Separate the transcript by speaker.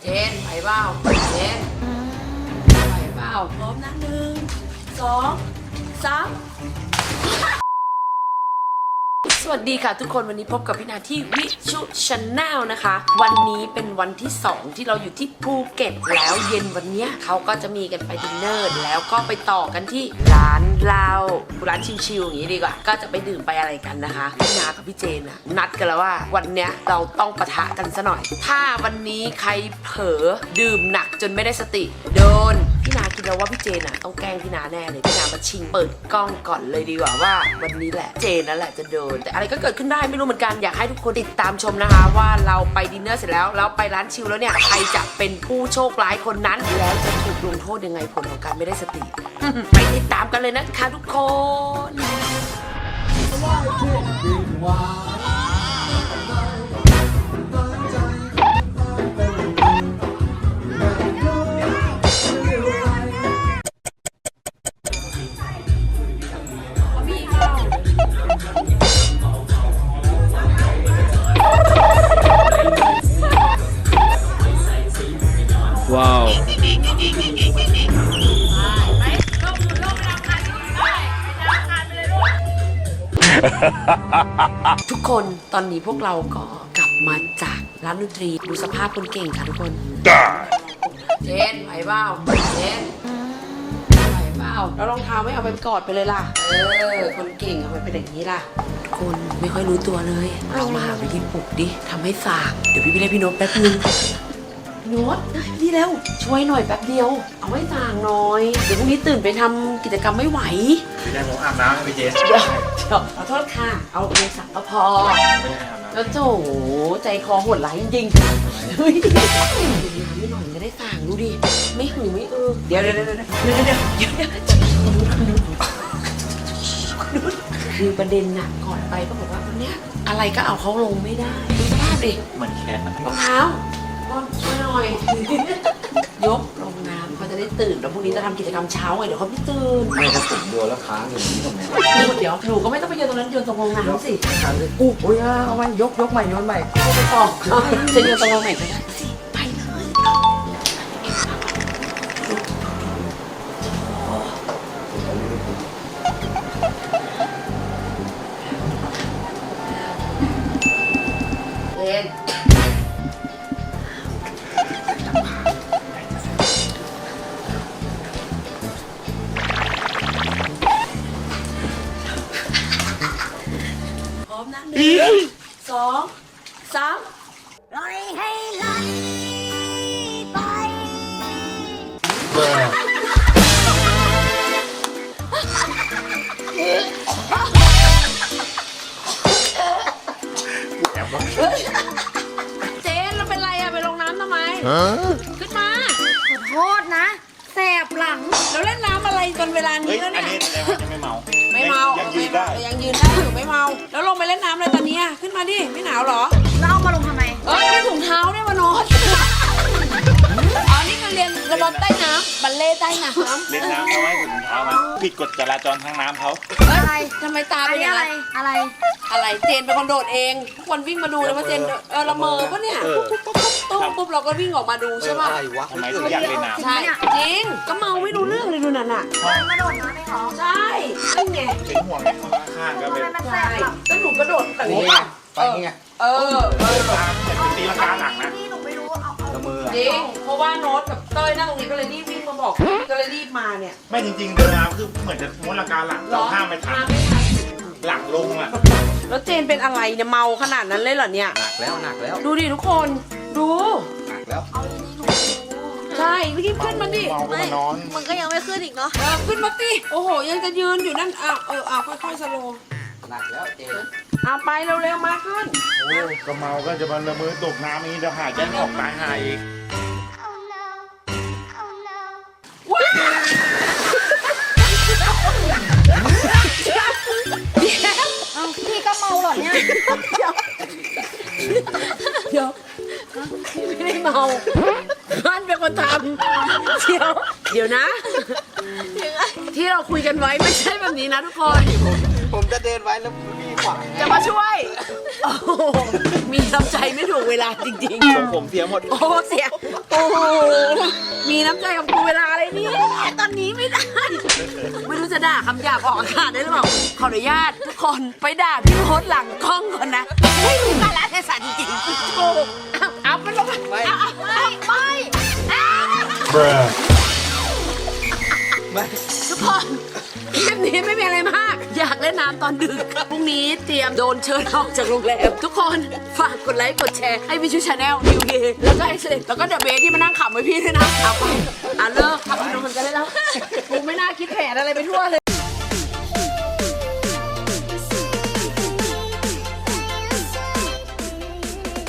Speaker 1: จนไหวเปล่าเจนไหวเปล่าพร้อมนะ1 2 3สวัสดีค่ะทุกคนวันนี้พบกับพี่นาที่วิชุชาแนลนะคะวันนี้เป็นวันที่2ที่เราอยู่ที่ภูเก็ตแล้วเย็นวันนี้เขาก็จะมีกันไปดินเนอร์แล้วก็ไปต่อกันที่ร้านเหล้าร้านชิลๆอย่างนี้ดีกว่าก็จะไปดื่มไปอะไรกันนะคะพี่นากับพี่เจนนะนัดกันแล้วว่าวันเนี้ยเราต้องปะทะกันซะหน่อยถ้าวันนี้ใครเผลอดื่มหนักจนไม่ได้สติโดนพี่นาคิดแล้วว่าพี่เจนต้องแกล้งพี่นาแน่เลยพี่นามาชิงเปิดกล้องก่อนเลยดีกว่าว่าวันนี้แหละเจนนั่นแหละจะโดนแต่อะไรก็เกิดขึ้นได้ไม่รู้เหมือนกันอยากให้ทุกคนติดตามชมนะคะว่าเราไปดินเนอร์เสร็จแล้วไปร้านชิลแล้วเนี่ยใครจะเป็นผู้โชคร้ายคนนั้นแล้วจะถูกลงโทษยังไงผลของการไม่ได้สติ ไปติดตามกันเลยนะคะทุกคน
Speaker 2: ว้าว
Speaker 1: ทุกคนตอนนี้พวกเราก็กลับมาจากร้านดนตรีดูสภาพคนเก่งค่ะทุกคนเจนไหวเปล่าเจนไหวเปล่าแล้วรองเท้าไม่เอาไปกอดไปเลยล่ะคนเก่งเอาไปเป็นอย่างนี้ล่ะทุกคนไม่ค่อยรู้ตัวเลยเรามาหาวิธีปลุกดิทำให้สางเดี๋ยวพี่ไปเรียกพี่โน้ตแป๊บนึงโน้ตนี่เร็วช่วยหน่อยแป๊บเดียวเอาไว้สางหน่อยเดี๋ยวพรุ่งนี้ตื่นไปทำกิจกรรมไม่ไหว
Speaker 2: พี่ได้ผมอาบน้ำให้พี่เจน
Speaker 1: เดี๋ยวขอโทษค่ะเอาเองสักก็พอแล้วโถใจคอโหดร้ายจริงๆเฮ้ยไม่หน่อยจะได้สั่งดูดิไม่หือไม่เดี๋ยวคือประเด็นน่ะก่อนไปก็บอกว่าวันเนี้ยอะไรก็เอาเขาลงไม่ได้ดูสภาพดิ
Speaker 2: เหมือนแคทนะ
Speaker 1: รองเท้าช่วยหน่อยยกลงน้ำเขาจะได้ตื่นแล้วพรุ่งนี้จะทำกิจกรรมเช้าไงเดี๋ยวเขาไม่ตื่น
Speaker 3: ไม่ถ้าผมโดนแล้วค้างอย่างนี้ตรงไหน
Speaker 1: เดี๋ยวหนูก็ไม่ต้องไปโยนตรงนั้นโยนตรงลงน้ำสิ
Speaker 3: ค้างเลยโอ้ยเอาไว้ยกใหม่โยนใหม่
Speaker 1: ไปต่อจะโยนตรงลงไหนก็ได้สิไปเลยเล่นพร้อมนะ1 2 3
Speaker 4: ปล่อยให้ไหลไป
Speaker 1: เจนเราเป็นไรอะไปลงน้ำทำไมขึ้นมา
Speaker 4: ขอโทษนะแสบหลัง
Speaker 1: เราเล่นน้ำอะไรจนเวลา
Speaker 2: เฮ้
Speaker 1: นี้
Speaker 2: ย
Speaker 1: แล้ว
Speaker 2: อัน
Speaker 1: เนี่ย
Speaker 2: นี้แสดงว่ายังไม่เมา
Speaker 1: ไม่เมา
Speaker 2: ยังยืนได้
Speaker 1: ยังยืนได้อยู่ไม่เมาแล้วลงไปเล่นน้ำเลยตอนนี้ขึ้นมาดิไม่หนาวเหรอ
Speaker 4: แล้วเอามาลงทำไม
Speaker 1: มีถุงเท้าด้วยวะโน้ตอ๋อนี่คือเรียนระบบใต้น้ำบัลเล่ต์ใต้น้ำ
Speaker 2: เล่นน้ำเขาให้ถึงเท้ามาผิดกฎจราจรทางน้ำเขา
Speaker 4: อะไร
Speaker 1: ทำไมตา
Speaker 4: อั
Speaker 1: เป็น น
Speaker 4: นี้
Speaker 1: อย่าง
Speaker 4: อะไร
Speaker 1: นั้น
Speaker 4: อะไร
Speaker 1: อะไรเจนเป็นคนโดดเองทุกคนวิ่งมาดูเลยว่าเจนละเมอปะเนี่ยตุ้มปุ๊บเราก็วิ่งออกมาดูใช่ป่ะ
Speaker 3: อะไรวะ
Speaker 2: ทำไมถึงอยากเล่นน้ำ
Speaker 1: ใช่จริงก็เมาไม่รู้เรื่องเลยดูนั่นน่ะ
Speaker 4: มาโดดน้ำไม่หรอ
Speaker 1: ใช่นั่นไง
Speaker 2: เป็นห่วงไงข้างๆก็
Speaker 4: ทำ
Speaker 2: เป็น
Speaker 4: ไมมันแส
Speaker 1: ใช่
Speaker 4: บหลัง
Speaker 1: แล้วหนูกระโดดแบบ
Speaker 3: นี่
Speaker 1: นี้
Speaker 3: ไง
Speaker 1: ป่ะ
Speaker 3: ไปนี่ไง
Speaker 1: เออ
Speaker 2: เหมือนตีลังกาหนักนะ
Speaker 4: นี่หนูไม่รู้เอา
Speaker 3: ละมือ
Speaker 1: จริงเพราะว่าโน้ตกับเต้ยนั่งตรงนี้ก็เลยรีบวิ่งมาบอกก็เลยรีบมาเนี่ย
Speaker 2: ไม่จริงๆเดินน้ำคือเหมือนจะม้วนลังกาหลังเราห้ามไม่ทันหลังลงอ่ะ
Speaker 1: แล้วเจนเป็นอะไรเนี่ยเมาขนาดนั้นเลยเหรอเนี่ย
Speaker 3: หนักแล้ว
Speaker 1: ดูดิทุกคนดู
Speaker 3: หนักแล้ว
Speaker 4: เอาดีๆหนู
Speaker 1: ใช่รีบขึ้นมาดิ
Speaker 2: เมาก็มานอน
Speaker 4: มันก็ยังไม่ขึ้นอีกเนาะ
Speaker 1: ขึ้นมาสิโอ้โหยังจะยืนอยู่นั่นค่อยๆสโลว์
Speaker 3: หนักแล้วเจน
Speaker 1: ไปเร็วๆมาขึ้น
Speaker 2: โอ้ก็เมาก็จะมาละเมอตกน้ำอย่างนี้เดี๋ยวหายใจไม่ออกตายหายอีก
Speaker 1: ว้าว
Speaker 4: เอาพี่ก็เมาเหรอเนี่ย
Speaker 1: เดี๋ยวไม่ได้เมาบ้านเป็นคนทำเดี๋ยวนะ ที่เราคุยกันไว้ไม่ใช่แบบนี้นะทุกคน
Speaker 3: ผมจะเดินไว้แล้วพี่ขวาง
Speaker 1: จะมาช่วย โอ้โหมีน้ำใจไม่ถูกเวลาจริง
Speaker 3: ผมเสียหมด
Speaker 1: ๆ โอ้เสียโอ้โหมีน้ำใจกับกูเวลาอะไรเนี่ยตอนนี้ไม่ได้ ไม่รู้จะด่าคำหยาบออกอากาศได้หรือเปล่าขออนุญาตทุกคนไปด่าพี่โฮสหลังกล้องก่อนนะไม่รู้กาลเทศะจริงๆโอ้เอาไปลงไปไม่ ทุกคนคลิปนี้ไม่มีอะไรมาก อยากเล่นน้ำตอนดึกพรุ่งนี้เตรียมโดนเชิญออกจากโรงแรมทุกคนฝากกดไลค์กดแชร์ให้วิชูชาแนลนิวเดย์แล้วก็ไอเซเลตแล้วก็เดอะเบสที่มานั่งขำไว้พี่ด้วยนะเอาไปเลิกทำนมกันได้แล้วกูไม่น่าคิดแผนอะไรไปทั่วเลย